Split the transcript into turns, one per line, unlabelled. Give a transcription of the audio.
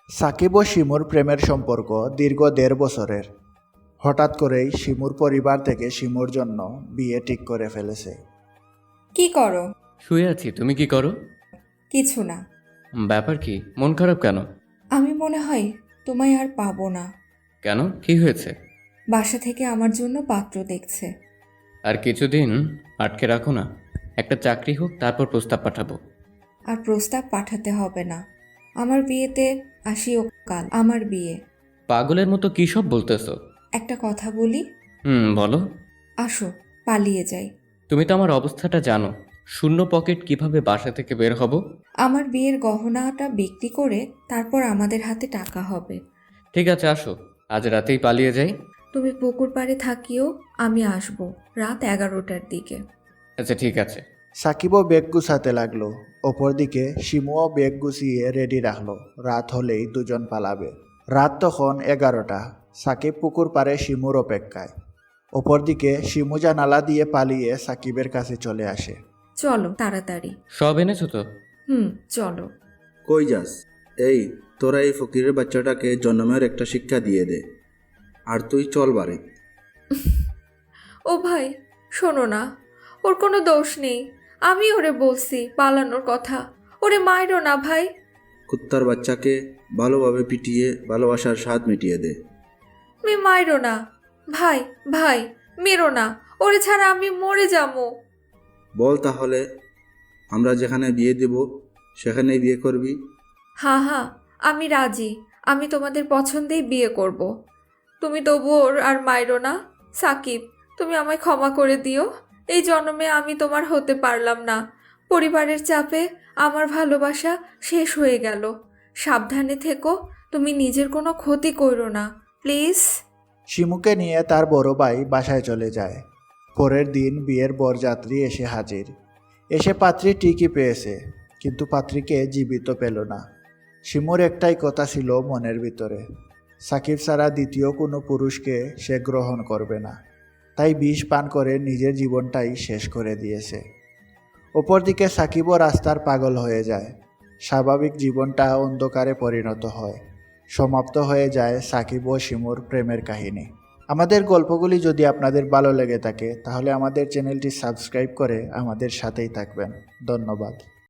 সাকিব ও শিমুর প্রেমের সম্পর্ক দীর্ঘ ১.৫ বছরের। হঠাৎ করেই শিমুর পরিবার থেকে শিমুর জন্য বিয়ে ঠিক করে ফেলেছে।
কি করো?
শুয়ে আছি, তুমি কি করো?
কিছু না।
ব্যাপার কি, মন খারাপ কেন?
আমি মনে হয় তোমায় আর পাবো না।
কেন, কি হয়েছে?
বাসা থেকে আমার জন্য পাত্র দেখছে।
আর কিছুদিন আটকে রাখো না, একটা চাকরি হোক তারপর প্রস্তাব পাঠাবো।
আর প্রস্তাব পাঠাতে হবে না। আমার বিয়েতে আসিও কাল, আমার বিয়ে।
পাগলের মতো কী সব বলতেছো?
একটা কথা বলি?
বলো।
আসো, পালিয়ে যাই।
তুমি তো আমার অবস্থাটা জানো, শূন্য পকেট কিভাবে বাসা থেকে বের হব।
আমার বিয়ের গহনাটা বিক্রি করে তারপর আমাদের হাতে টাকা হবে।
ঠিক আছে, আসো, আজ রাতেই পালিয়ে যাই।
তুমি পুকুর পাড়ে থাকিও, আমি আসবো রাত 11টার দিকে।
আচ্ছা ঠিক আছে।
সাকিবও ব্যাগ গুছাতে লাগলো। অপরদিকে শিমুও ব্যাগ গুছিয়ে রেডি রাখলো। রাত হলেই দুজন পালাবে। রাত তখন 11টা। সাকিব পুকুর পাড়ে শিমুর অপেক্ষায়। অপরদিকে শিমু জানালা দিয়ে পালিয়ে সাকিবের কাছে চলে আসে।
চলো তাড়াতাড়ি।
সব এনেছো তো?
চলো।
কই যাস? এই, তোরা এই ফকিরের বাচ্চাটাকে জন্মের একটা শিক্ষা দিয়ে দে, আর তুই চল বাড়ি।
ও ভাই, শোনো না, ওর কোনো দোষ নেই। আমি ওরে বলছি পালানোর কথা। ওরে মাইরো না ভাই।
কুত্তার বাচ্চাকে ভালোভাবে পিটিয়ে ভালোবাসার স্বাদ মিটিয়ে দে।
মাইরো না ভাই, ভাই মেরো না। ওরে ছাড়া আমি মরে যাবো।
বল তাহলে, আমরা যেখানে বিয়ে দেব সেখানেই বিয়ে করবি?
হ্যাঁ, আমি রাজি। আমি তোমাদের পছন্দেই বিয়ে করব। তুমি তবু ওর আর মাইরো না। সাকিব, তুমি আমায় ক্ষমা করে দিও। এই জন্মে আমি তোমার হতে পারলাম না। পরিবারের চাপে আমার ভালোবাসা শেষ হয়ে গেল। সাবধানে থেকো, তুমি নিজের কোনো ক্ষতি করো না, প্লিজ।
শিমুকে নিয়ে তার বড় ভাই বাসায় চলে যায়। পরের দিন বিয়ের বরযাত্রী এসে হাজির। এসে পাত্রী ঠিকই পেয়েছে, কিন্তু পাত্রীকে জীবিত পেল না। শিমুর একটাই কথা ছিল মনের ভিতরে, সাকিব ছাড়া দ্বিতীয় কোনো পুরুষকে সে গ্রহণ করবে না। তাই বিষ পান করে নিজের জীবনটাই শেষ করে দিয়েছে। অপরদিকে সাকিবও রাস্তার পাগল হয়ে যায়। স্বাভাবিক জীবনটা অন্ধকারে পরিণত হয়। সমাপ্ত হয়ে যায় সাকিব ও শিমুর প্রেমের কাহিনী। আমাদের গল্পগুলি যদি আপনাদের ভালো লেগে থাকে তাহলে আমাদের চ্যানেলটি সাবস্ক্রাইব করে আমাদের সাথেই থাকবেন। ধন্যবাদ।